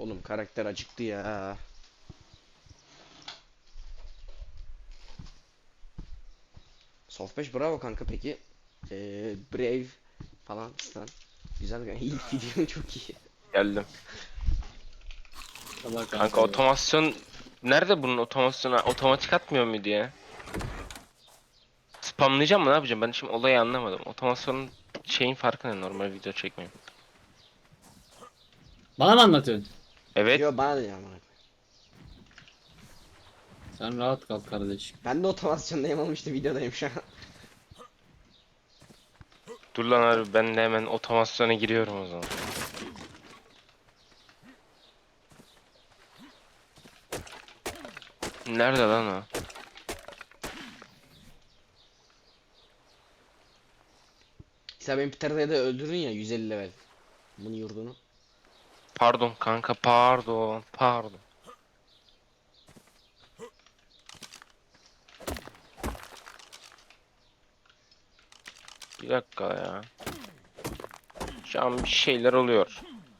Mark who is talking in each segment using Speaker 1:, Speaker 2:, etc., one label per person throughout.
Speaker 1: Oğlum karakter acıktı ya. Soft 5 bravo kanka peki. Brave falan fistan. Güzel kanka. İyi gidiyorsun, çok iyi.
Speaker 2: Geldim.
Speaker 3: Allah
Speaker 2: Kanka
Speaker 3: kanka.
Speaker 2: otomasyon nerede bunun otomasyonu otomatik atmıyor muydu ya? Spamlayacağım mı ne yapacağım? Ben şimdi olayı anlamadım. Otomasyonun şeyin farkı ne normal video çekmeyin.
Speaker 3: Bana mı anlatıyorsun?
Speaker 2: Evet.
Speaker 1: Yo, bana da ya amına.
Speaker 3: Sen rahat kal kardeşim.
Speaker 1: Ben de otomasyondayım oğlum, işte videodayım şu an.
Speaker 2: Dur lan abi ben de hemen otomasyona giriyorum o zaman. Nerede lan o?
Speaker 1: Sen benim Peter'da da öldürdün ya 150 level. Bunun yurdunu.
Speaker 2: Pardon kanka pardon. Bir dakika ya. Şu an bir şeyler oluyor.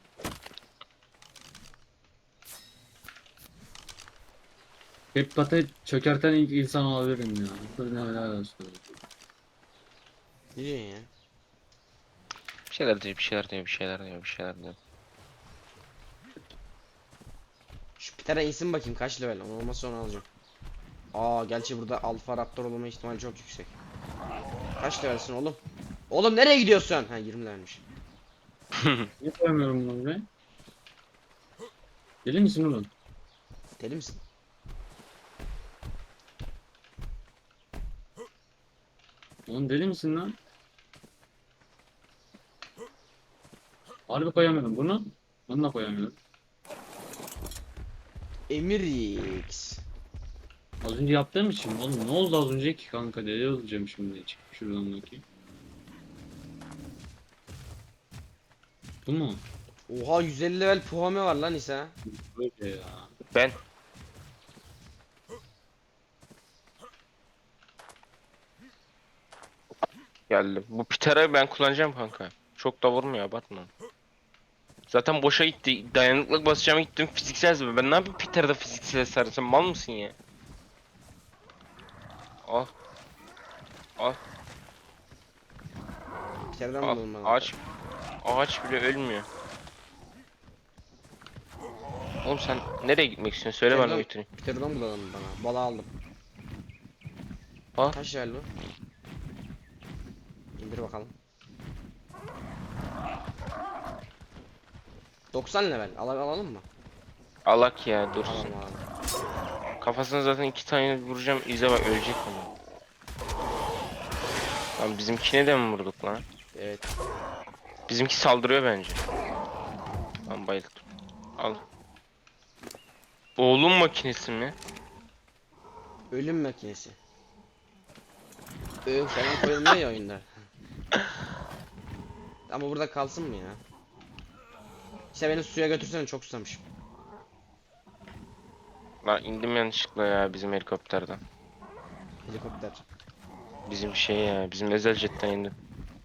Speaker 3: Hepat'ı çökerten ilk insan olabilirim ya. Dur ne helal olsun.
Speaker 1: Ne diyorsun ya?
Speaker 2: Bir şeyler diyor.
Speaker 1: Şu Peter'a insin bakayım kaç level. Onu olmazsa onu alacağım. Aa, gerçi burada Alfa Raptor olma ihtimali çok yüksek. Kaç levelsin oğlum? Oğlum nereye gidiyorsun? Ha, 20 levelmiş.
Speaker 3: Niye koyamıyorum bunu be? Deli misin oğlum?
Speaker 1: Deli misin?
Speaker 3: Oğlum deli misin lan? Harbi koyamıyorum bunu. Bunu da koyamıyorum.
Speaker 1: Emir X.
Speaker 3: Az önce yaptığım için oğlum ne oldu az önce ki kanka deli olacağım şimdi. Çık şuradan bakayım. Bu mu?
Speaker 1: Oha, 150 level Puhame var lan İsa.
Speaker 3: Böyle ya.
Speaker 2: Ben geldim. Bu Pitera'yı ben kullanacağım kanka. Çok da vurmuyor abartma. Zaten boşa gitti. Dayanıklık basacağım gittim fiziksel zırh. Ben ne yapayım Peter'da fiziksel zırh? Sen mal mısın ya? Al al
Speaker 1: Peter'den
Speaker 2: al.
Speaker 1: bulalım bana.
Speaker 2: Ağaç bile ölmüyor. Oğlum sen nereye gitmek istiyorsun? Söyle bana götüreyim.
Speaker 1: Peter'dan bulalım bana. Balı aldım.
Speaker 2: Al.
Speaker 1: Kaç level bu? İndir bakalım. 90 level. Alalım mı?
Speaker 2: Alak ya dursun.
Speaker 1: Alalım alalım.
Speaker 2: Kafasına zaten 2 tane vuracağım. İzle bak ölecek ama. Lan bizimkine de mi vurduk lan?
Speaker 1: Evet.
Speaker 2: Bizimki saldırıyor bence. Lan bayıldım. Al. Oğlum makinesi mi?
Speaker 1: Ölüm makinesi. Falan koyulmuyor ya oyunda. Ama burada kalsın mı ya? İşte beni suya götürsene, çok susamışım.
Speaker 2: Lan indim yanlışlıkla ya bizim helikopterden.
Speaker 1: Helikopter.
Speaker 2: Bizim şey ya bizim özel jetten indim.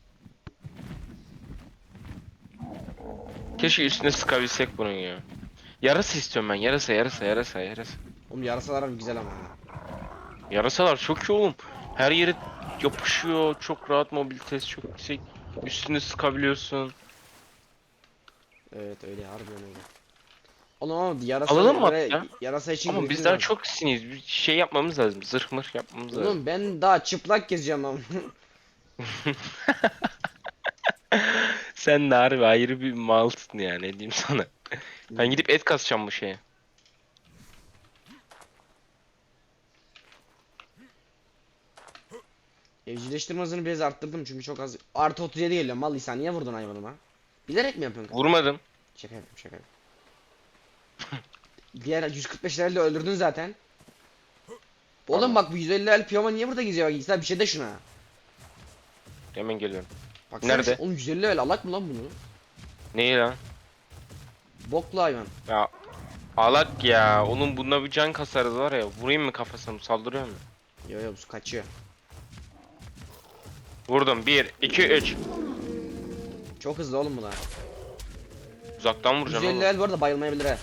Speaker 2: Keşke üstüne sıkabilsek bunun ya. Yarasa istiyorum ben yarasa.
Speaker 1: Oğlum yarasalar güzel ama.
Speaker 2: Yarasalar çok iyi oğlum. Her yere yapışıyor. Çok rahat mobilitesi çok yüksek. Üstüne sıkabiliyorsun.
Speaker 1: Evet, öyle harbiden öyle. Oğlum ama yarasa
Speaker 2: Alalım mı
Speaker 1: böyle
Speaker 2: hatta?
Speaker 1: yarasa için
Speaker 2: Ama biz
Speaker 1: griffin
Speaker 2: daha
Speaker 1: lazım.
Speaker 2: çok siniz. Bir şey yapmamız lazım. Zırh mırh yapmamız lazım.
Speaker 1: Oğlum ben daha çıplak gezeceğim ama.
Speaker 2: Sen de harbi ayrı bir malsın ya ne diyeyim sana. Ben gidip et kasacağım bu şeye.
Speaker 1: Evcilleştirme hızını biraz arttırdım çünkü çok az. Artı 37 geliyor. Mal İsa, niye vurdun hayvanıma? Bilerek mi yapıyorsun?
Speaker 2: Vurmadım.
Speaker 1: Şaka yapıyorum, şaka yapıyorum. Diğer 145 level'de öldürdün zaten. Oğlum
Speaker 2: Tamam.
Speaker 1: bak, bu 150 level piyoma niye burada geziyor? Bak İsa, bir şey de şuna.
Speaker 2: Hemen geliyorum.
Speaker 1: Baksana
Speaker 2: Nerede?
Speaker 1: oğlum 150 level alak mı lan bunu?
Speaker 2: Neyi lan?
Speaker 1: Boklu hayvan.
Speaker 2: Ya alak ya. Onun bunda bir can kasarız var ya. Vurayım mı kafasına? Saldırıyor mu?
Speaker 1: Yo yo, bu kaçıyor.
Speaker 2: Vurdum. 1, 2, 3.
Speaker 1: Çok hızlı oğlum bu da.
Speaker 2: Uzaktan vuracağım
Speaker 1: 150
Speaker 2: oğlum.
Speaker 1: level bu arada bayılmayabilir he.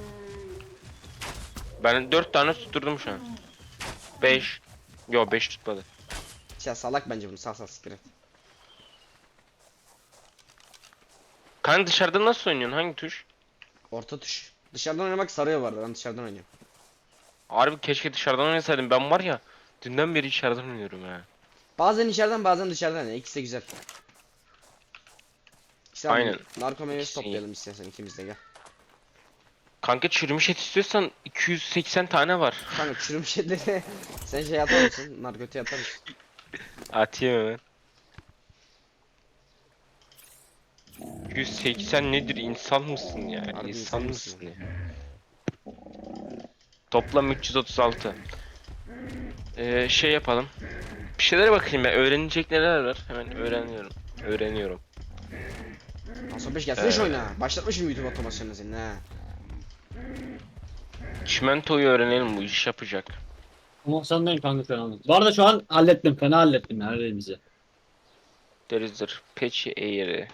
Speaker 2: Ben 4 tane tutturdum şu an. 5. Yo 5 tutmadı.
Speaker 1: Ya salak bence bunu, sal siktir et.
Speaker 2: Kanka dışarıda nasıl oynuyorsun? Hangi tuş?
Speaker 1: Orta tuş. Dışarıdan oynamak sarıyor bu arada, ben dışarıdan oynuyorum.
Speaker 2: Harbi keşke dışarıdan oynasaydım. Ben var ya dünden beri içeriden oynuyorum ya.
Speaker 1: Bazen içeriden bazen dışarıdan ya, ikisi de güzel. İşte abi,
Speaker 2: Aynen.
Speaker 1: narko meyvesi
Speaker 2: İkisi iyi.
Speaker 1: toplayalım istersen ikimiz de, gel.
Speaker 2: Kanka çürümüş et istiyorsan 280 tane var.
Speaker 1: Kanka çürümüş etleri sen şey atar mısın? Narkotiğe atar mısın?
Speaker 2: Atayım hemen. 280 nedir? İnsan mısın ya?
Speaker 1: Harbi
Speaker 2: İnsan
Speaker 1: insan
Speaker 2: mısın
Speaker 1: mısın?
Speaker 2: ya? Toplam 336. Şey yapalım. Bir şeylere bakayım ben. Öğrenecek neler var? Hemen öğreniyorum. Öğreniyorum.
Speaker 1: Hasan 5 gelsene şu oyuna. Başlatmışım YouTube otomasyonunu senin ha.
Speaker 2: Çimentoyu öğrenelim, bu iş yapacak.
Speaker 3: Ama senden kanka falan. Bu arada şu an hallettim. Fena hallettim her yerimizi.
Speaker 2: Derizdir. Patchy Air'i.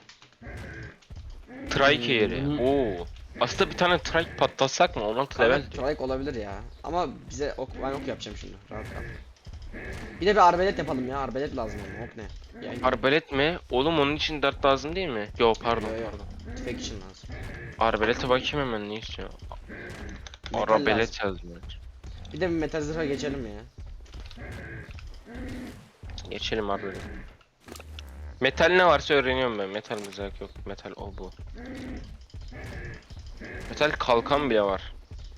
Speaker 2: Trike Air'i.
Speaker 3: bunu-
Speaker 2: Oo. Aslında bir tane trike patlatsak mı? 16 level
Speaker 1: Kanka
Speaker 2: diyor.
Speaker 1: trike olabilir ya. Ama bize ok, ben ok yapacağım şimdi. Rahat kal. Bir de bir arbelet yapalım ya. Arbelet lazım ama ok ne? Yay.
Speaker 2: Arbelet mi? Oğlum onun için dart lazım değil mi? Yo pardon
Speaker 1: Yo, yo.
Speaker 2: pardon.
Speaker 1: Tüfek için lazım.
Speaker 2: Arbelete bakayım hemen ne istiyor.
Speaker 1: Metal
Speaker 2: Arabelet yazmıyor.
Speaker 1: Bir de bir metal zırha geçelim ya.
Speaker 2: Geçelim arbelet. Metal ne varsa öğreniyorum ben. Metal mızrak yok. Metal o bu. Metal kalkan bile var.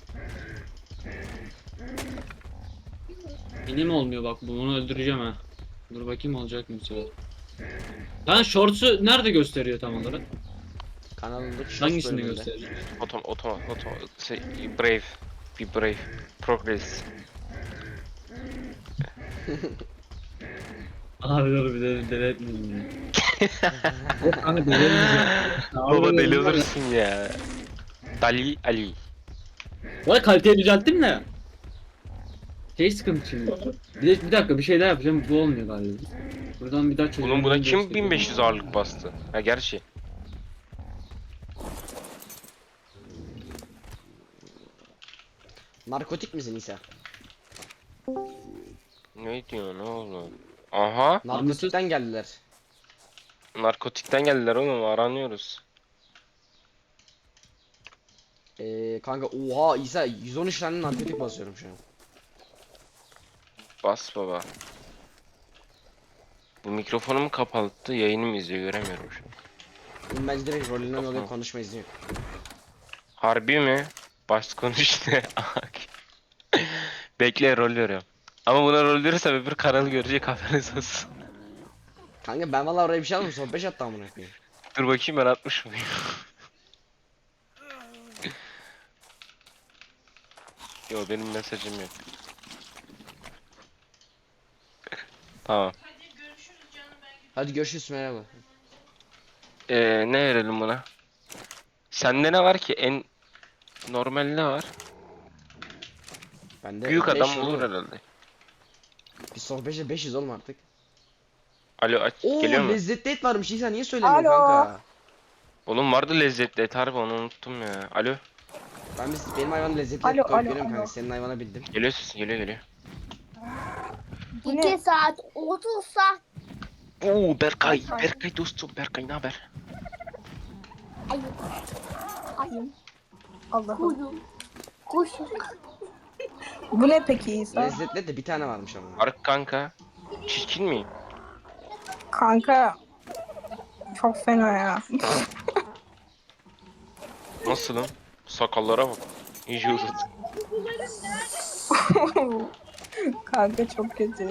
Speaker 3: Benim olmuyor bak, bunu öldüreceğim ha. Dur bakayım olacak mı bu sefer. Ben shorts'u nerede gösteriyor tam olarak?
Speaker 1: Kanalındaki shorts
Speaker 3: Hangisini
Speaker 1: bölümünde.
Speaker 3: gösteriyor?
Speaker 2: Otom şey, brave. Be brave. Progress.
Speaker 3: Abi dur bir de deli etmedim ya. Yok kanka deli etmeyeceğim.
Speaker 2: Baba deli olursun ya. Dali Ali.
Speaker 3: Bu arada kaliteyi düzelttim de. Şey sıkıntı şimdi. Bir dakika bir şey daha yapacağım, bu olmuyor galiba. Buradan bir daha çözüm.
Speaker 2: Oğlum buna kim 1500 ağırlık bastı? Ha gerçi.
Speaker 1: Narkotik misin İsa?
Speaker 2: Ne diyor ne oldu? Aha.
Speaker 1: Narkotikten geldiler.
Speaker 2: Narkotikten geldiler oğlum, aranıyoruz.
Speaker 1: Kanka oha İsa 113 tane narkotik basıyorum şu an.
Speaker 2: Bas baba. Bu mikrofonum kapalıktı, yayınımı izliyor, göremiyorum şu an.
Speaker 1: Oğlum bence direkt rolünden
Speaker 2: Kafam.
Speaker 1: dolayı konuşma izni yok.
Speaker 2: Harbi mi? Baş konuş ne? Bekle, rol veriyorum. Ama buna rol verirsem öbür kanalı görecek, haberiniz olsun.
Speaker 1: Kanka ben vallahi oraya bir şey aldım, son 5 attı amına koyayım.
Speaker 2: Dur bakayım ben atmış mıyım? Yo benim mesajım yok. Tamam.
Speaker 1: Hadi görüşürüz, merhaba.
Speaker 2: Ne verelim buna? Sende ne var ki? En normal ne var?
Speaker 1: Bende
Speaker 2: Büyük
Speaker 1: 5
Speaker 2: adam
Speaker 1: var
Speaker 2: olur
Speaker 1: oğlum.
Speaker 2: herhalde.
Speaker 1: Biz son 5'e 500 oğlum artık.
Speaker 2: Alo aç,
Speaker 1: Oo
Speaker 2: geliyor mu?
Speaker 1: lezzetli et varmış İsa, niye söylemiyorsun
Speaker 4: Alo.
Speaker 1: kanka?
Speaker 2: Oğlum vardı lezzetli et, harbi onu unuttum ya. Alo.
Speaker 1: Benim hayvan lezzetli
Speaker 4: Alo,
Speaker 1: et koyup
Speaker 4: alo,
Speaker 1: veriyorum kanka,
Speaker 4: alo.
Speaker 1: senin hayvana bildim.
Speaker 2: Geliyor sesin, geliyor.
Speaker 4: Bu ne?
Speaker 5: 2 saat 30 saat.
Speaker 2: Oo Berkay,
Speaker 4: Ay.
Speaker 2: Berkay dostum, Berkay ne haber?
Speaker 5: Ayım. Ayım.
Speaker 4: Allah'ım.
Speaker 5: Kuyum. Kuşum.
Speaker 4: Bu ne peki İsa?
Speaker 1: Lezzetli et de bir tane varmış ama.
Speaker 2: Arık kanka. Çirkin miyim?
Speaker 4: Kanka. Çok fena ya.
Speaker 2: Nasılım? Sakallara bak. İyice uzat.
Speaker 4: Kanka çok kötü.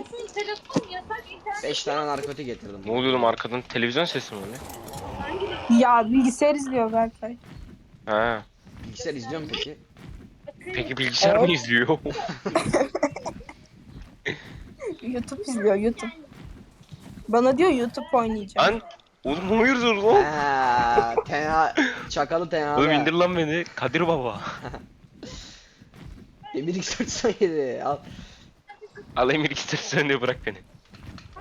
Speaker 1: 5 tane narkotik getirdim.
Speaker 2: Ne oluyor oğlum, arkadan televizyon sesi mi öyle?
Speaker 4: Ya bilgisayar izliyor Berkay.
Speaker 2: Ha.
Speaker 1: Bilgisayar izliyor mu peki?
Speaker 2: Peki bilgisayar mı
Speaker 4: Evet.
Speaker 2: izliyor?
Speaker 4: YouTube izliyor YouTube. Bana diyor YouTube oynayacağım.
Speaker 2: Lan oğlum hayırdır lan?
Speaker 1: Eee tenha çakalı tenha.
Speaker 2: Oğlum indir lan beni. Kadir baba.
Speaker 1: Emir X417 al.
Speaker 2: Alayım bir iki sen de bırak beni.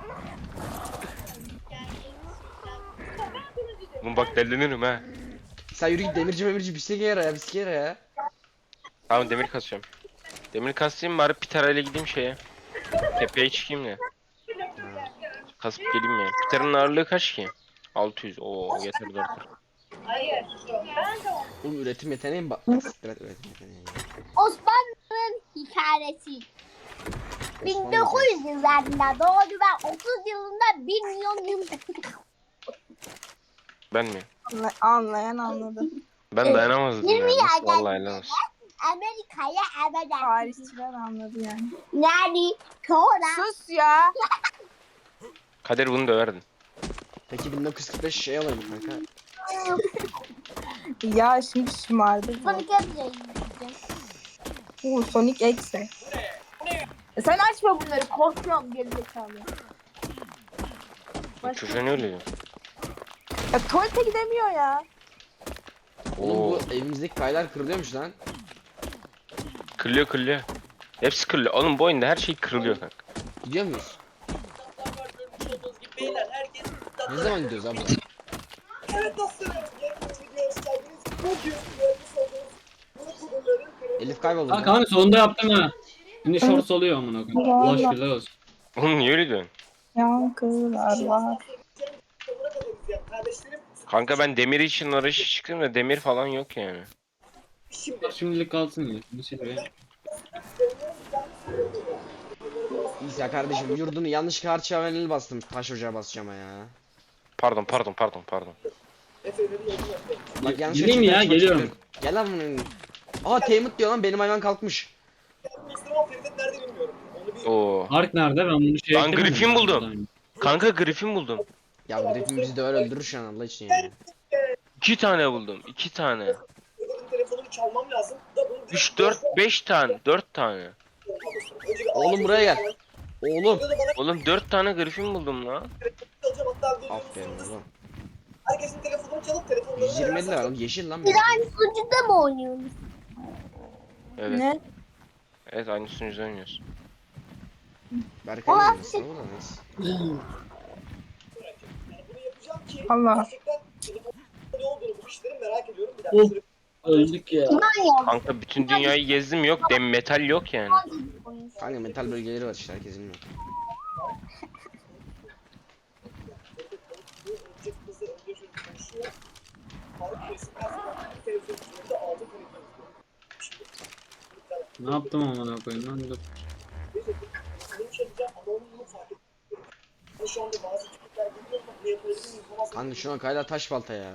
Speaker 2: Oğlum bak delenirim ha.
Speaker 1: Sen yürü git demirci bisiklet yere ya bisiklet yere ya.
Speaker 2: Tamam demir kasıyorum. Demir kasayım bari Piter'a ile gideyim şeye. Tepeye çıkayım da. Kasıp geleyim ya. Piter'ın ağırlığı kaç ki? 600. Oo yeter 4.
Speaker 1: Oğlum üretim yeteneği mi bak? Siktir et üretim yeteneği.
Speaker 5: Osmanlı'nın hikayesi. 1900 yıllarında doğdu ve 30 yılında 1 milyon yıl.
Speaker 2: Ben mi?
Speaker 4: Anlayan anladı.
Speaker 2: Ben dayanamazdım ya.
Speaker 5: 20
Speaker 2: Nasıl
Speaker 5: yerden
Speaker 2: vallahi helal olsun.
Speaker 5: Amerika'ya ebeden.
Speaker 4: Tarihçiler anladı yani.
Speaker 5: Yani sonra
Speaker 4: Sus ya.
Speaker 2: Kader bunu döverdin.
Speaker 1: Peki 1945 şey alayım kanka.
Speaker 4: Ya şimdi şımardı. bu.
Speaker 5: Sonic Emre'yi
Speaker 4: Sonic X'e. Sen açma bunları korkuyorum gerizekalı.
Speaker 2: Bu çocuğa ne oluyor?
Speaker 4: Ya tuvalete gidemiyor ya.
Speaker 1: Oğlum
Speaker 2: Oo.
Speaker 1: bu evimizdeki kaylar kırılıyormuş lan.
Speaker 2: Kırılıyor. Hepsi kırılıyor. Oğlum bu oyunda her şey kırılıyor kanka.
Speaker 1: Gidiyor muyuz? Ne zaman gidiyoruz abi? Elif kayboldu.
Speaker 3: Ha
Speaker 1: lan.
Speaker 3: kanka sonunda yaptım ha. Şimdi shorts oluyor amına koyayım. Allah şükürler olsun.
Speaker 2: Oğlum niye öyle diyorsun?
Speaker 4: Yankılar var.
Speaker 2: Kanka ben demir için arayışa çıktım da demir falan yok yani.
Speaker 3: Şimdilik kalsın ya. Bir şey be.
Speaker 1: İsa kardeşim yurdunu yanlış karşıya bastım. Taş ocağa basacağım ya.
Speaker 2: Pardon.
Speaker 1: Bak yanlış
Speaker 3: Gideyim ya,
Speaker 1: açıklar,
Speaker 3: geliyorum.
Speaker 1: çıkıyorum. Gel lan bunun. Aa Teymut diyor lan benim hayvan kalkmış.
Speaker 2: Oo.
Speaker 3: Ark nerede? Ben bunu şey
Speaker 2: Lan Griffin buldum. Kanka Griffin buldum.
Speaker 1: Ya bu herifin bizi de öyle öldürür şu an Allah için yani.
Speaker 2: 2 tane buldum. 2 tane. 3, 4, 5 tane. 4 tane.
Speaker 1: Oğlum buraya gel. Oğlum.
Speaker 2: Oğlum 4 tane Griffin buldum lan.
Speaker 1: Aferin oğlum.
Speaker 4: Herkesin telefonunu çalıp telefonunu
Speaker 1: 120 lira oğlum yeşil lan benim.
Speaker 5: aynı sunucuda mı oynuyoruz?
Speaker 2: Evet.
Speaker 4: Ne?
Speaker 2: Evet aynı sunucuda oynuyoruz.
Speaker 1: Berkay
Speaker 5: Aa,
Speaker 1: nasıl bu da neyse.
Speaker 4: Allah.
Speaker 3: Of. Öldük ya.
Speaker 2: Kanka bütün dünyayı gezdim yok. Metal yok yani.
Speaker 1: Kanka metal bölgeleri var işte herkes bilmiyor.
Speaker 3: Ne yaptım amına koyayım lan dur.
Speaker 1: Kanka şu an kayla taş balta ya.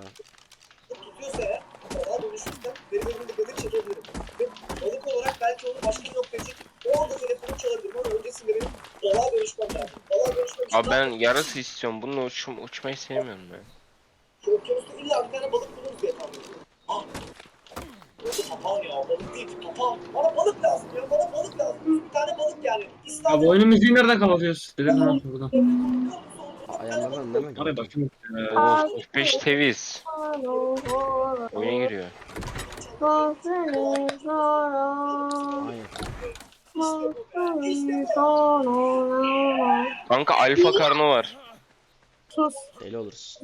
Speaker 6: Balık olarak belki onu başka bir noktaya çekip orada telefonu çalabilirim ama öncesinde benim balığa dönüşmem lazım. Balığa dönüşmem için
Speaker 2: Abi ben yarısı istiyorum. Bununla uçmayı sevmiyorum ben.
Speaker 6: okyanusta illa bir tane balık buluruz diye tahmin ediyorum. Ah! Orada papağan ya, balık değil ki papağan. Bana balık lazım ya, bana balık lazım. Bir tane balık yani.
Speaker 3: Ya
Speaker 6: İstanbul
Speaker 3: bu oyunun müziği nereden kapatıyoruz? Dedim lan buradan.
Speaker 1: Ayarlardan değil mi?
Speaker 3: Oraya bakayım.
Speaker 2: Oo 45 teviz. Oyuna giriyor.
Speaker 1: Aynen.
Speaker 2: Kanka alfa karno var.
Speaker 4: Sus.
Speaker 1: Deli oluruz.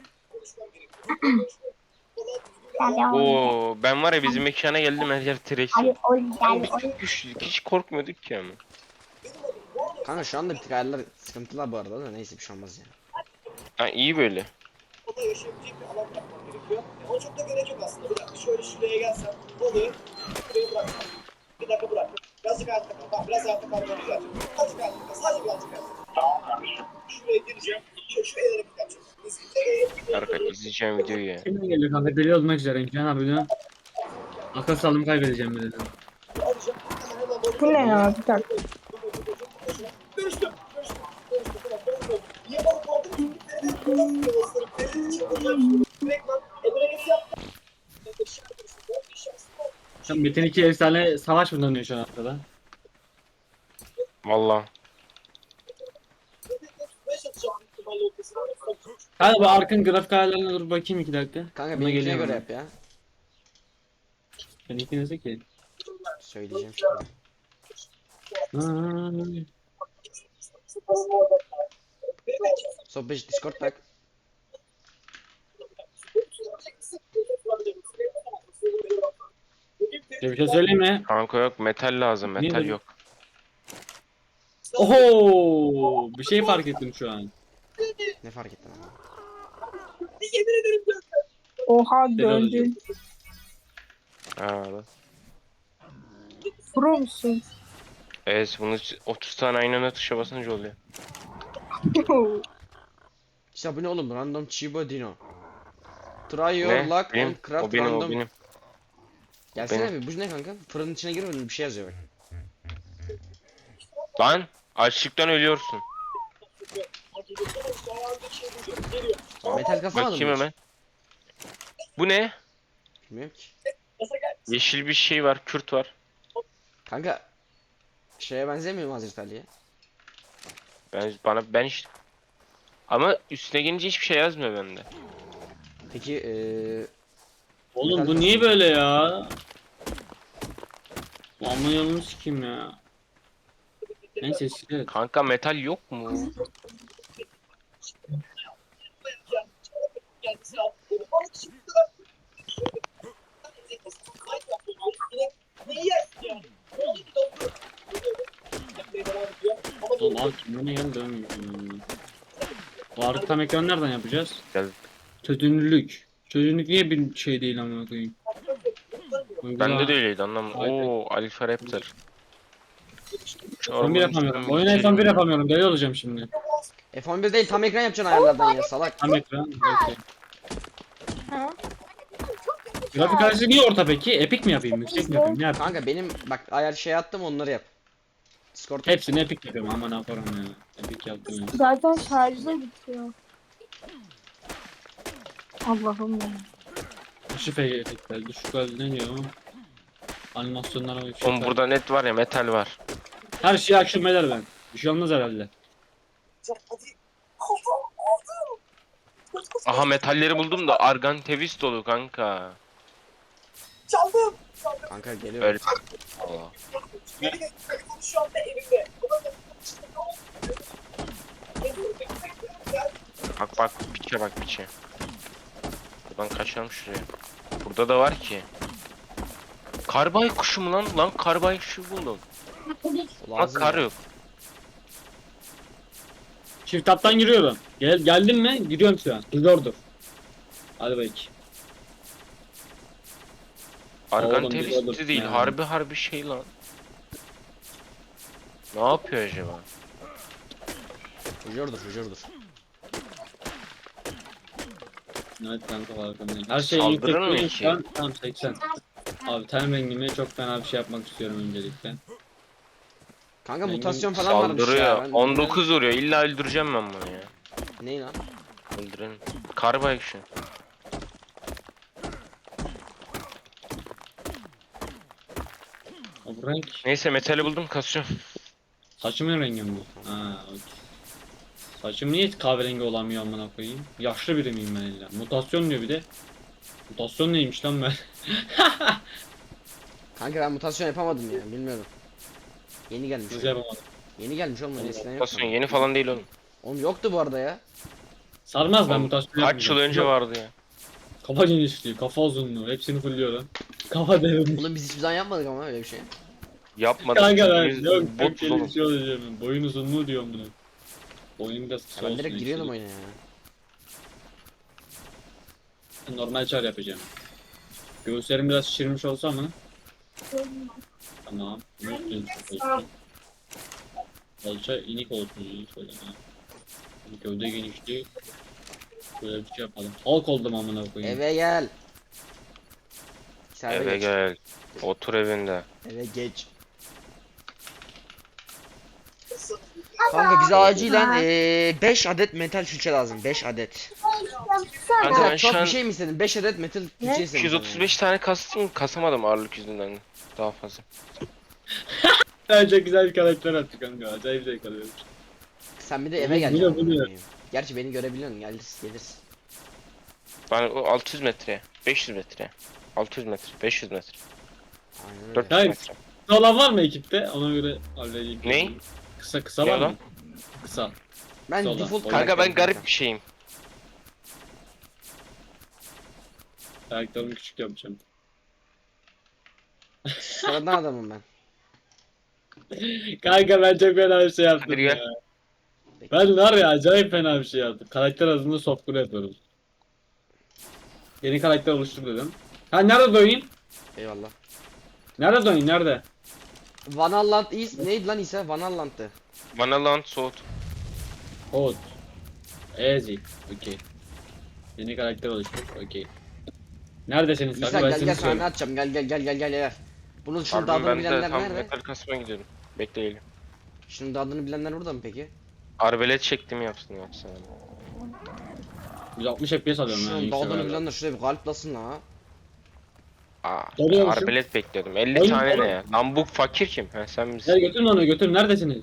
Speaker 2: Oo ben var ya bizim mekana geldim her yer trash. Ama biz çok güçlüydük. Hiç korkmuyorduk ki ama.
Speaker 1: Kanka şu anda bir tık ayarlar sıkıntılar bu arada da neyse bir şey olmaz ya.
Speaker 2: Ha iyi böyle.
Speaker 6: da yaşayabilecek bir alan bırakmam gerekiyor. Ona çok da gerek yok aslında. Bir dakika şöyle şuraya gelsem, balığı şuraya bıraksam. Bir dakika bırak. Birazcık hayatta kal. Tamam, biraz hayatta kalmam güzel. Azıcık hayatta kal. Sadece birazcık hayatta kal. Şuraya gireceğim. Şu el hareketi yapacağım.
Speaker 2: Arkadaşlar izleyeceğim videoyu ya.
Speaker 3: Kimden geliyor kanka? Deli olmak üzereyim. Can abi diyor. Akıl sağlığımı kaybedeceğim bir dedim.
Speaker 6: Alacağım. Hemen balığı
Speaker 4: Bu ne ya? Bir dakika.
Speaker 6: dönüştüm. Tamam, balık oldu. Niye balık oldu? Çünkü balık yuvasları, deniz için kullanmıştım. Direktman hareketi yaptım.
Speaker 3: Sen Metin 2 efsane savaş mı dönüyor şu an arkada?
Speaker 2: Valla.
Speaker 3: Hadi bu Ark'ın grafik ayarlarına dur bakayım 2 dakika.
Speaker 1: Kanka
Speaker 3: Buna
Speaker 1: benimkine
Speaker 3: geliyorum
Speaker 1: göre
Speaker 3: ben.
Speaker 1: yap ya.
Speaker 3: Ben ikinize ki.
Speaker 1: Söyleyeceğim şimdi.
Speaker 3: Ay.
Speaker 1: Sohbet Discord bak.
Speaker 3: Bir şey söyleyeyim mi?
Speaker 2: Kanka yok, metal lazım,
Speaker 3: Niye
Speaker 2: metal
Speaker 3: böyle?
Speaker 2: yok.
Speaker 3: Oho! Bir şey fark ettim şu an.
Speaker 1: Ne fark ettin ama?
Speaker 6: Yemin ederim ya.
Speaker 4: Oha
Speaker 3: Deli olacağım.
Speaker 4: döndün.
Speaker 2: Ha, bak.
Speaker 4: Pro musun?
Speaker 2: Evet, bunu 30 tane aynı anda tuşa basınca oluyor.
Speaker 1: İşte bu ne oğlum? Random Chiba Dino. Try your
Speaker 2: Ne?
Speaker 1: luck
Speaker 2: Benim,
Speaker 1: on craft
Speaker 2: o benim, o
Speaker 1: random.
Speaker 2: benim.
Speaker 1: Gelsene
Speaker 2: benim.
Speaker 1: bir, bu ne kanka? Fırının içine girmedin, bir şey yazıyor bak.
Speaker 2: Lan açlıktan ölüyorsun.
Speaker 1: Metal kasamadın
Speaker 2: Bakayım
Speaker 1: mı hiç?
Speaker 2: hemen. Bu ne?
Speaker 1: Bilmiyorum ki.
Speaker 2: Yeşil bir şey var, kürt var.
Speaker 1: Kanka şeye benzemiyor mu Hazreti Ali'ye?
Speaker 2: Ben işte. Ama üstüne gelince hiçbir şey yazmıyor bende.
Speaker 1: Peki
Speaker 3: Oğlum bu niye böyle ya? Amma yolunu sikeyim ya. Neyse silet.
Speaker 2: Kanka metal yok mu?
Speaker 3: Oğlum abi kimliğine gel dönmüyor. Varlık tam ekran nereden yapacağız?
Speaker 2: Gel.
Speaker 3: Çözünürlük. Çözünürlük niye bir şey değil amına koyayım?
Speaker 2: Bende de öyleydi, anlamadım.
Speaker 3: Haydi.
Speaker 2: Oo, Alfa Raptor.
Speaker 3: F11 yapamıyorum. Oyuna F11 yapamıyorum. Deli olacağım şimdi.
Speaker 1: F11 değil, tam ekran yapacaksın ayarlardan ya salak.
Speaker 3: Tam ekran. Okey.
Speaker 4: Ha?
Speaker 3: Grafik karşısı niye orta peki? Epic mi yapayım? Yüksek mi yapayım? Ne yapayım?
Speaker 1: Kanka benim bak ayar şey attım, onları yap. Discord
Speaker 3: Hepsini epic yapıyorum ama ne yaparım ya. Epic yaptım ya.
Speaker 4: Zaten şarjda bitiyor. Allah'ım ya.
Speaker 3: Düşük efektler. Düşük ne diyor? Animasyonlara bir
Speaker 2: Oğlum burada net var ya, metal var.
Speaker 3: Her şeyi akşam eder ben. Bir şey olmaz herhalde.
Speaker 2: Aha, metalleri buldum da argan tevis dolu kanka.
Speaker 6: Çaldım.
Speaker 1: kanka geliyor.
Speaker 2: Öyle. Allah.
Speaker 6: Telefonu şu anda elimde.
Speaker 2: Bak bak, piçe bak, piçe. Buradan kaçalım şuraya. Burada da var ki. Karbay kuşu mu lan? Lan karbay kuşu buldum. Ama
Speaker 1: Lazım
Speaker 2: kar
Speaker 1: ya.
Speaker 2: yok.
Speaker 3: Çift taptan giriyorum. Geldin mi? Giriyorum şu an. Dur. Hadi bakayım.
Speaker 2: Argan
Speaker 3: Oğlum,
Speaker 2: tevis
Speaker 3: bir
Speaker 2: değil.
Speaker 3: ya.
Speaker 2: Harbi şey lan. Ne yapıyor acaba?
Speaker 1: Hücurdur.
Speaker 3: Evet kanka farkındayım. Her şey
Speaker 2: Saldırır mı
Speaker 3: yüksek
Speaker 2: ki?
Speaker 3: şu an. Tamam 80. Abi ten rengime çok fena bir şey yapmak istiyorum öncelikle.
Speaker 1: Kanka
Speaker 3: Ben
Speaker 1: mutasyon falan varmış ya.
Speaker 2: Saldırıyor.
Speaker 1: Ben
Speaker 2: 19 vuruyor. İlla öldüreceğim ben bunu ya.
Speaker 1: Ne lan?
Speaker 2: Öldürelim. Karbay kuşu.
Speaker 3: O bu renk.
Speaker 2: Neyse, metali buldum, kasıyorum.
Speaker 3: Saçımın rengi mi bu? Ha, okey. Saçım niye kahverengi olamıyor amına koyayım? Yaşlı biri miyim ben illa? Mutasyon diyor bir de. Mutasyon neymiş lan ben?
Speaker 1: Kanka ben mutasyon yapamadım ya, bilmiyorum. Yeni gelmiş.
Speaker 3: Güzel yapamadım.
Speaker 1: Yeni gelmiş oğlum, eskiden yoktu.
Speaker 2: Mutasyon yeni falan değil oğlum.
Speaker 1: Oğlum yoktu bu arada ya.
Speaker 3: Sarmaz ben
Speaker 2: Oğlum,
Speaker 3: mutasyon
Speaker 2: Kaç yıl
Speaker 3: yapmayacağım.
Speaker 2: önce vardı ya.
Speaker 3: Kafa genişliği, kafa uzunluğu hepsini fulluyorum. Kafa derinliği.
Speaker 1: Oğlum biz hiçbir zaman yapmadık ama öyle bir şey.
Speaker 2: Yapmadık.
Speaker 3: Kanka ben
Speaker 2: Biz
Speaker 3: yok çok
Speaker 2: botuz
Speaker 3: deli
Speaker 2: oğlum.
Speaker 3: bir şey olacağım ben. Boyun uzunluğu diyorum bunu. Boyun biraz kısa
Speaker 1: Ya ben
Speaker 3: olsun.
Speaker 1: direkt giriyordum
Speaker 3: işte.
Speaker 1: oyuna ya.
Speaker 3: Normal çar yapacağım. Göğüslerim biraz şişirmiş olsa mı? Tamam. Kalça inik olsun şöyle. Ha. Gövde genişliği. Böyle bir şey yapalım. Halk oldum amına koyayım.
Speaker 1: Eve gel. Sen
Speaker 2: Eve
Speaker 1: geç.
Speaker 2: gel. Otur evinde.
Speaker 1: Eve geç. Kanka bize acilen 5 adet metal külçe lazım. 5 adet.
Speaker 2: Kanka ben
Speaker 1: Çok
Speaker 2: şu an
Speaker 1: bir şey mi istedin? 5 adet metal külçe istedim.
Speaker 2: 235 tane kastım, kasamadım ağırlık yüzünden. Daha fazla.
Speaker 3: Çok güzel bir karakter attı kanka. Acayip zevk alıyorum.
Speaker 1: Sen bir de eve
Speaker 3: Oğlum,
Speaker 1: geleceksin.
Speaker 3: bu ne?
Speaker 1: amına koyayım. Gerçi beni görebiliyorsun. Gelirsin.
Speaker 2: Ben o 600 metre, 500 metre, 600 metre, 500 metre,
Speaker 1: Aynen öyle.
Speaker 2: 400
Speaker 3: Hayır.
Speaker 2: metre.
Speaker 3: Kısa olan var mı ekipte? Ona göre halledeyim.
Speaker 2: Ney?
Speaker 3: Kısa
Speaker 2: Ne
Speaker 3: var
Speaker 2: lan?
Speaker 3: mı? Kısa.
Speaker 1: Ben
Speaker 3: Sola.
Speaker 1: default
Speaker 3: Kanka,
Speaker 2: Kanka ben
Speaker 1: karakterim
Speaker 2: garip bir şeyim.
Speaker 3: Ayaklarımı küçük yapacağım.
Speaker 1: Sıradan adamım ben.
Speaker 3: Kanka ben çok fena bir şey yaptım
Speaker 2: Hadi
Speaker 3: ya.
Speaker 2: gel.
Speaker 3: Ben var ya acayip fena bir şey yaptım. Karakter adını software yapıyoruz. Yeni karakter oluştur dedim. Ha nerede doyayım?
Speaker 1: Eyvallah.
Speaker 3: Nerede doyayım nerede?
Speaker 1: Vanalland neydi lan İsa? Vanalland'tı.
Speaker 2: Vanaland soğut.
Speaker 3: Code. Easy. Okey. Yeni karakter oluştur. Okey. Neredesiniz
Speaker 1: İsa
Speaker 3: kanka? Ben
Speaker 1: gel
Speaker 3: seni
Speaker 1: gel sana ne
Speaker 3: söyleyeyim.
Speaker 1: atacağım gel. Bunun şunun
Speaker 2: Harbiden
Speaker 1: adını
Speaker 2: ben de
Speaker 1: bilenler
Speaker 2: tam
Speaker 1: nerede?
Speaker 2: metal kasmaya gidiyorum. Bekleyelim.
Speaker 1: Şunun da adını bilenler burada mı peki?
Speaker 2: Arbelet çektim yapsın.
Speaker 3: 160 FPS alıyorum ben.
Speaker 1: Şunun da
Speaker 3: yüksek
Speaker 1: adını
Speaker 3: ayarda.
Speaker 1: bilenler şuraya bir kalp basın la.
Speaker 2: Aa,
Speaker 3: Doluyormuşum.
Speaker 2: arbelet bekliyordum. 50
Speaker 3: Oğlum,
Speaker 2: tane
Speaker 3: oğlum.
Speaker 2: ne ya? Lan bu fakir kim? Ha sen misin?
Speaker 3: Gel götürün onu götürün. Neredesiniz?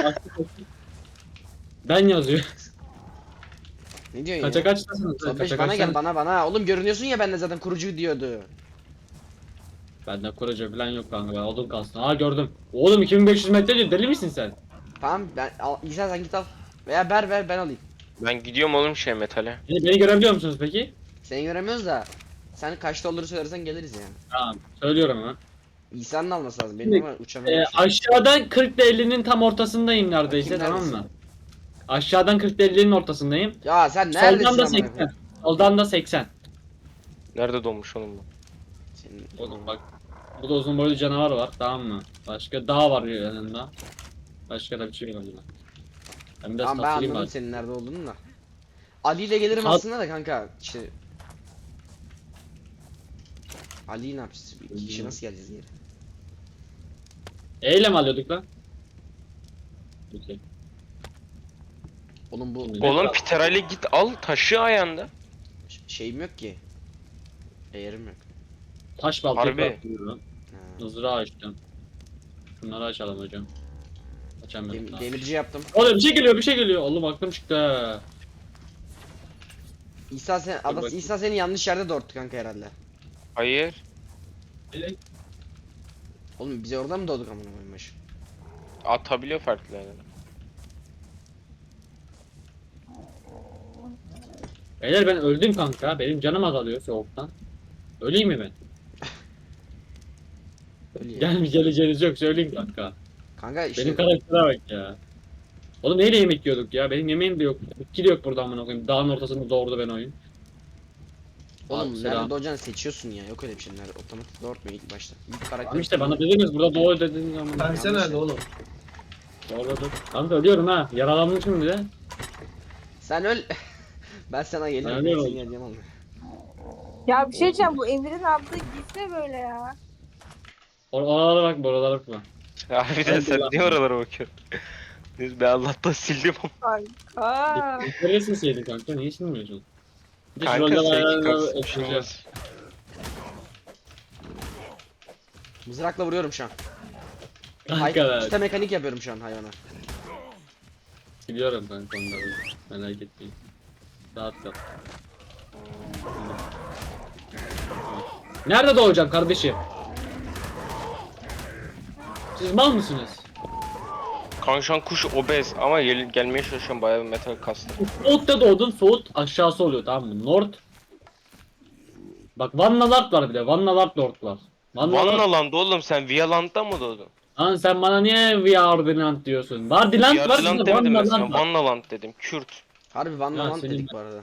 Speaker 3: Ben yazıyor.
Speaker 1: Ne diyorsun
Speaker 3: Kaça
Speaker 1: ya?
Speaker 3: kaçtasınız?
Speaker 1: Sabeş
Speaker 3: Kaça
Speaker 1: bana gel
Speaker 3: kaçtasınız?
Speaker 1: bana. Oğlum görünüyorsun ya bende zaten kurucu diyordu.
Speaker 3: Bende kurucu falan yok kanka. Ben odun kalsın. Aa gördüm. Oğlum 2500 metre diyor. Deli misin sen?
Speaker 1: Tamam İsa sen git al. Veya ver ben alayım.
Speaker 2: Ben gidiyorum oğlum metale.
Speaker 3: Beni görebiliyor musunuz peki?
Speaker 1: Seni göremiyoruz da. Sen kaçta olduğunu söylersen geliriz yani.
Speaker 3: Tamam. Söylüyorum ha.
Speaker 1: İsa'nın alması lazım. Benim ama uçamıyorum.
Speaker 3: Aşağıdan 40 ile 50'nin tam ortasındayım neredeyse,
Speaker 1: Bakayım,
Speaker 3: tamam
Speaker 1: neredesin?
Speaker 3: mı? Aşağıdan 40 ile 50'nin ortasındayım.
Speaker 1: Ya sen neredesin
Speaker 3: Soldan da
Speaker 1: amına
Speaker 3: 80.
Speaker 1: koyayım?
Speaker 3: Soldan da 80.
Speaker 2: Nerede donmuş oğlum bu?
Speaker 1: Senin...
Speaker 3: Oğlum bak. Burada uzun boylu canavar var, tamam mı? Başka dağ var yanında. Başka da bir şey yok yanında. Ben biraz
Speaker 1: Tamam ben
Speaker 3: tasarayım
Speaker 1: anladım
Speaker 3: bari.
Speaker 1: senin nerede olduğunu da. Ali ile gelirim
Speaker 3: Sağ-
Speaker 1: aslında da kanka. İşte... Ali'yi ne yapacağız? İki kişi nasıl geleceğiz geri?
Speaker 3: Eyle mi alıyorduk lan? Okey.
Speaker 1: Oğlum bu
Speaker 3: Şimdi-
Speaker 2: Oğlum Pitera'yla git al taşı ayağında.
Speaker 1: şeyim yok ki. Eğerim yok.
Speaker 3: Taş baltayı
Speaker 2: Harbi.
Speaker 3: bırakıyorum.
Speaker 1: Ha.
Speaker 3: Mızrağı açtım. Şunları açalım hocam. Açamıyorum daha.
Speaker 1: Demirci yaptım.
Speaker 3: Oğlum bir şey geliyor. Oğlum aklım çıktı ha.
Speaker 1: İsa İsa seni yanlış yerde doğurttu kanka herhalde.
Speaker 2: Hayır.
Speaker 1: Oğlum biz orada mı doğduk amına koyayım başı?
Speaker 2: Atabiliyor farklı yerlere.
Speaker 3: Beyler ben öldüm kanka. Benim canım azalıyor soğuktan. Öleyim mi ben?
Speaker 1: Öyle ya.
Speaker 3: Geleceğiniz yok söyleyeyim kanka.
Speaker 1: Kanka işte
Speaker 3: Benim karaktere bak ya. Oğlum neyle yemek yiyorduk ya? Benim yemeğim de yok. Bitki de yok burada amına koyayım. Dağın ortasında doğurdu ben oyun.
Speaker 1: oğlum
Speaker 3: Abi,
Speaker 1: nerede
Speaker 3: selam.
Speaker 1: doğacağını seçiyorsun ya. Yok öyle bir şey. Nerede otomatik doğurtmuyor ilk başta. İlk karakter.
Speaker 3: Tamam işte bana dediniz burada doğu dediniz amına.
Speaker 6: Pense nerede oğlum?
Speaker 3: Doğru. Kanka ölüyorum ha. Yaralanmışım bir de.
Speaker 1: Sen öl. Ben sana gelirim.
Speaker 3: Ben
Speaker 1: Ben
Speaker 3: öyle
Speaker 1: seni
Speaker 3: oldum.
Speaker 1: geleceğim oğlum.
Speaker 4: Ya bir şey diyeceğim, bu Emir'in aldığı gitme böyle ya.
Speaker 3: Oralara bak, oralara bak.
Speaker 2: Harbiden
Speaker 3: Hadi
Speaker 2: sen
Speaker 3: lan.
Speaker 2: niye oralara bakıyorsun? Neyse ben Allah'tan sildim ama.
Speaker 4: Aa.
Speaker 3: Neresin seydin kanka? Niye silmiyorsun? Bir de şu
Speaker 2: Kanka
Speaker 3: rolde
Speaker 2: sevgi
Speaker 3: bayağı
Speaker 2: kalsın bir şey
Speaker 3: ekleyeceğim.
Speaker 2: olmaz.
Speaker 1: Mızrakla vuruyorum şu an.
Speaker 3: Kanka
Speaker 1: İşte mekanik yapıyorum şu an hayvana.
Speaker 3: biliyorum kanka onları. Merak etmeyin. Rahat kal. Nerede doğacağım kardeşim? Siz mal mısınız?
Speaker 2: Kanka şu an kuş obez ama gelmeye çalışıyorum bayağı bir metal kastı.
Speaker 3: Soğut'ta doğdun, Soğut aşağısı oluyor, tamam mı? North. Bak Vannalard var bir de, Vannalard North var.
Speaker 2: Vannaland'da oğlum sen Vialand'da mı doğdun?
Speaker 3: Lan sen bana niye Vardinant diyorsun? Vardinant var,
Speaker 2: Vialand
Speaker 3: bir de
Speaker 2: demedim ben sana.
Speaker 3: Vannaland var.
Speaker 2: Vannaland dedim. Kürt.
Speaker 1: Harbi Van
Speaker 3: Ya
Speaker 1: Laman
Speaker 3: senin-
Speaker 1: dedik bu arada.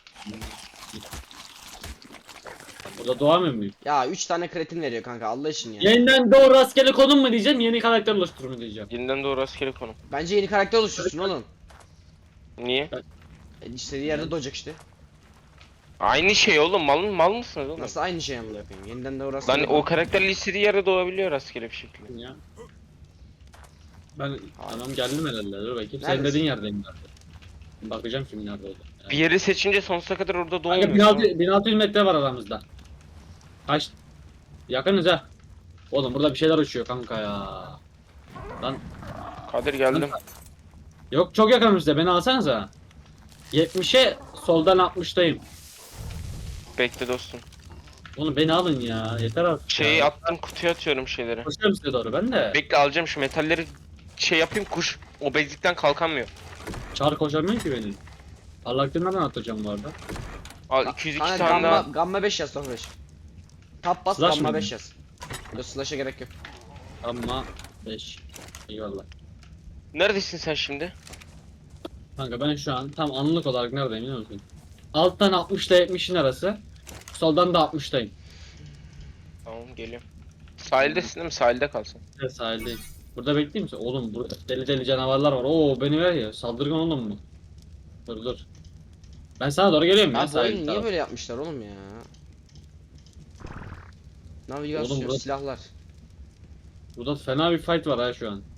Speaker 3: Burada doğamıyor muyum?
Speaker 1: Ya 3 tane kretin veriyor kanka Allah için ya.
Speaker 3: Yeniden doğru rastgele konum mu diyeceğim, yeni karakter oluştur mu diyeceğim.
Speaker 2: Yeniden doğru rastgele konum.
Speaker 1: Bence yeni karakter oluştursun oğlum.
Speaker 2: Niye?
Speaker 1: İstediği yerde doğacak işte.
Speaker 2: Aynı şey oğlum mal mısınız oğlum?
Speaker 1: Nasıl aynı şey amına koyayım? Yeniden de orası.
Speaker 2: Lan o karakterle istediği yerde doğabiliyor rastgele bir şekilde.
Speaker 3: Ya. Ben tamam geldim herhalde, dur bakayım. Senin
Speaker 1: Neredesin?
Speaker 3: dediğin yerdeyim zaten. Bakacağım şimdi nerede oldu.
Speaker 2: Bir yeri seçince sonsuza kadar orada
Speaker 3: Kanka
Speaker 2: doğmuyor.
Speaker 3: 1600 metre var aramızda. Kaç? Yakınız ha. Oğlum burada bir şeyler uçuyor kanka ya. Lan
Speaker 2: Kadir geldim.
Speaker 3: yok çok yakınımızda, beni alsanıza. 70'e soldan 60'tayım.
Speaker 2: Bekle dostum.
Speaker 3: Oğlum beni alın ya, yeter artık.
Speaker 2: Şeyi
Speaker 3: ya.
Speaker 2: attım kutuya atıyorum şeyleri.
Speaker 3: Koşuyorum size doğru ben de.
Speaker 2: Bekle alacağım şu metalleri şey yapayım kuş obezlikten kalkamıyor.
Speaker 3: Çağır koşamıyor ki beni. Parlaklığını nereden atacağım bu arada?
Speaker 2: Al 202
Speaker 1: Kanka
Speaker 2: tane daha.
Speaker 1: gamma 5 yaz sonra 5. Tap bas
Speaker 3: Slash
Speaker 1: gamma
Speaker 3: mı?
Speaker 1: 5 yaz. Yok slash'a gerek yok.
Speaker 3: Ama 5. Eyvallah.
Speaker 2: Neredesin sen şimdi?
Speaker 3: Kanka ben şu an tam anlık olarak neredeyim biliyor musun? Alttan 60 ile 70'in arası. Soldan da 60'tayım.
Speaker 2: Tamam geliyorum. Sahildesin değil mi? Sahilde kalsın.
Speaker 3: Evet sahildeyim. Burada bekleyeyim misin? Oğlum burada deli deli canavarlar var. Oo beni ver ya. Saldırgan oğlum mu? Dur dur. Ben sana doğru geliyorum ya
Speaker 1: Abi bu oyunu
Speaker 3: sahil
Speaker 1: niye
Speaker 3: tarafı.
Speaker 1: böyle yapmışlar oğlum ya? Navigasyon,
Speaker 3: Oğlum burası-
Speaker 1: silahlar.
Speaker 3: Burada fena bir fight var ha şu an.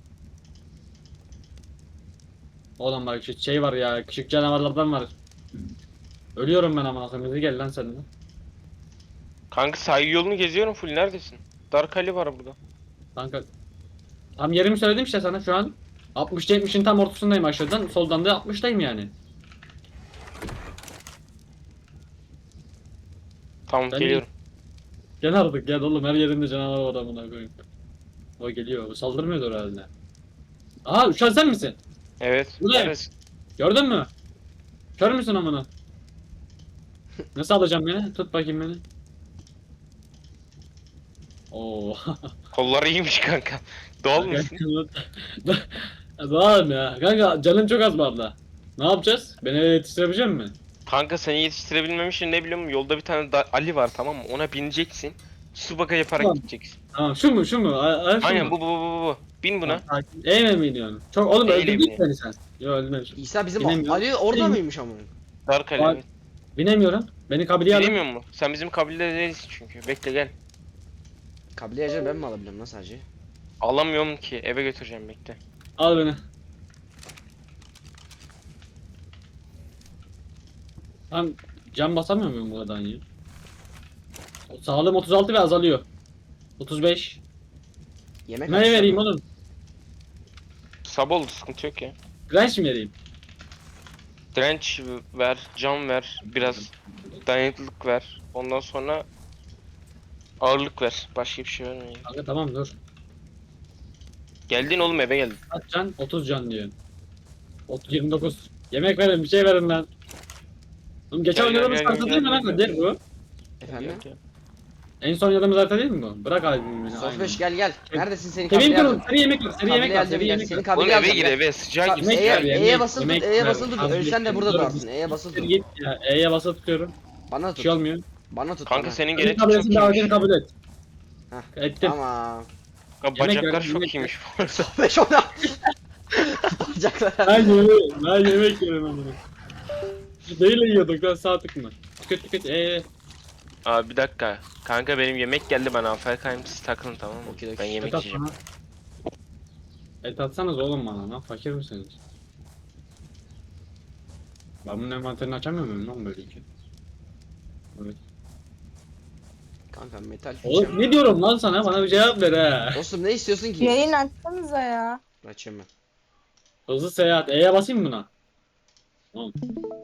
Speaker 3: Oğlum bak şu şey var ya. Küçük canavarlardan var. Ölüyorum ben ama koyayım. Hadi gel lan sen de.
Speaker 2: Kanka sahil yolunu geziyorum full. Neredesin? Dark Ali var burada.
Speaker 3: Kanka. Tam yerimi söyledim işte sana şu an. 60-70'in tam ortasındayım aşağıdan. Soldan da 60'tayım yani.
Speaker 2: Tamam
Speaker 3: Ben-
Speaker 2: geliyorum.
Speaker 3: Gel artık gel oğlum her yerinde canavar var amına koyayım. O geliyor. O saldırmıyordur herhalde. Aha uçan sen misin?
Speaker 2: Evet.
Speaker 3: Bu ne?
Speaker 2: Neredesin?
Speaker 3: Gördün mü? Kör müsün amına? Nasıl alacağım beni? Tut bakayım beni. Oo.
Speaker 2: Kolları iyiymiş kanka. Doğal mısın?
Speaker 3: Doğalım ya. Kanka canım çok az bu arada. Ne yapacağız? Beni yetiştirebilecek misin?
Speaker 2: Kanka seni yetiştirebilmem için ne biliyorum yolda bir tane Ali var tamam mı? Ona bineceksin. Subaka yaparak
Speaker 3: Tamam.
Speaker 2: gideceksin.
Speaker 3: Tamam şu mu şu mu? Şu
Speaker 2: Aynen
Speaker 3: mu?
Speaker 2: bu. Bin buna.
Speaker 3: Eğme mi iniyorsun? Çok oğlum
Speaker 2: Eyle
Speaker 3: öldürdün
Speaker 2: biniyor.
Speaker 3: beni sen. Yok öldürmemişim.
Speaker 1: İsa bizim
Speaker 3: Bilemiyorum.
Speaker 1: Ali orada
Speaker 3: Bilmiyorum.
Speaker 1: mıymış ama?
Speaker 2: Dark Ali.
Speaker 3: Bak-
Speaker 2: Evet.
Speaker 3: Binemiyorum. Beni kabileye alın.
Speaker 2: Bilemiyor musun? Sen bizim kabilede değilsin çünkü. Bekle gel.
Speaker 1: Kabile acaba ben mi alabilirim lan sadece?
Speaker 2: Alamıyorum ki. Eve götüreceğim bekle.
Speaker 3: Al beni. Ben can basamıyor muyum buradan ya? Sağlığım 36 ve azalıyor. 35.
Speaker 1: Yemek
Speaker 3: Ne
Speaker 1: açsana.
Speaker 3: vereyim oğlum?
Speaker 2: Sabah oldu sıkıntı yok ya.
Speaker 3: Direnç mi vereyim?
Speaker 2: Direnç ver, can ver, biraz dayanıklılık ver. Ondan sonra ağırlık ver. Başka bir şey vermeyin.
Speaker 3: Kanka tamam dur.
Speaker 2: Geldin oğlum eve geldin.
Speaker 3: Kaç can? 30 can diyor. 29. Yemek verin bir şey verin lan. Oğlum geçen
Speaker 2: Gel, gel,
Speaker 3: oynadığımız
Speaker 2: gel,
Speaker 3: harita
Speaker 2: gel,
Speaker 3: değil mi
Speaker 2: gel,
Speaker 3: lan?
Speaker 2: gel.
Speaker 3: Değil bu.
Speaker 1: Efendim?
Speaker 3: En son oynadığımız harita değil mi bu? Bırak albümü beni.
Speaker 1: Sofreş gel gel. Neredesin seni
Speaker 3: Kemiğim
Speaker 1: kabile
Speaker 3: kırıldı.
Speaker 1: alacağım.
Speaker 3: Seri yemek ver. Seri yemek ver.
Speaker 1: Kabile
Speaker 3: Seri
Speaker 1: alacağım gel.
Speaker 3: yemek
Speaker 1: Seni
Speaker 3: ver.
Speaker 1: kabile
Speaker 2: Oğlum eve
Speaker 1: alacağım
Speaker 2: gir
Speaker 1: gel.
Speaker 2: eve sıcağa gir.
Speaker 3: Yemek
Speaker 1: E'ye
Speaker 3: ver, yemek,
Speaker 1: basılı tut.
Speaker 3: yemek
Speaker 1: E'ye
Speaker 3: ver.
Speaker 1: basılı tut.
Speaker 3: Abi,
Speaker 1: Ölsen de
Speaker 3: dur,
Speaker 1: burada
Speaker 3: dur.
Speaker 1: durarsın. E'ye basılı
Speaker 3: Seri
Speaker 1: tut.
Speaker 3: git ya. E'ye basılı tutuyorum.
Speaker 1: Bana
Speaker 3: Bir
Speaker 1: tut.
Speaker 3: şey olmuyor.
Speaker 1: Bana tut.
Speaker 2: Kanka
Speaker 1: bana.
Speaker 2: senin
Speaker 3: Senin
Speaker 2: genetik çok
Speaker 3: kabilesin davetini
Speaker 2: iyiymiş.
Speaker 3: kabul et.
Speaker 1: Heh,
Speaker 3: Ettim.
Speaker 1: Tamam.
Speaker 2: Kanka
Speaker 3: Yemek
Speaker 2: bacaklar
Speaker 3: ver,
Speaker 2: çok
Speaker 3: yemek
Speaker 2: iyiymiş.
Speaker 1: Sofreş ona. Bacaklar.
Speaker 3: Ben yemek yerim amına. Neyle yiyorduk lan sağ tık mı? Tüket.
Speaker 2: Abi bir dakika. Kanka benim yemek geldi ben AFK'yim siz takılın tamam mı?
Speaker 1: Okey,
Speaker 2: Ben
Speaker 1: okey.
Speaker 2: yemek
Speaker 3: Et at
Speaker 2: yiyeceğim.
Speaker 3: bana. Et atsanız oğlum bana lan fakir misiniz? Ben bunun envanterini açamıyor muyum lan böyle ki? Evet.
Speaker 1: Kanka metal
Speaker 3: Oğlum
Speaker 1: fişem.
Speaker 3: ne diyorum lan sana? Bana bir cevap ver ha.
Speaker 1: Dostum ne istiyorsun ki?
Speaker 4: Yayın açsanıza ya.
Speaker 1: Açayım ben.
Speaker 3: Hızlı seyahat. E'ye basayım mı buna? Tamam.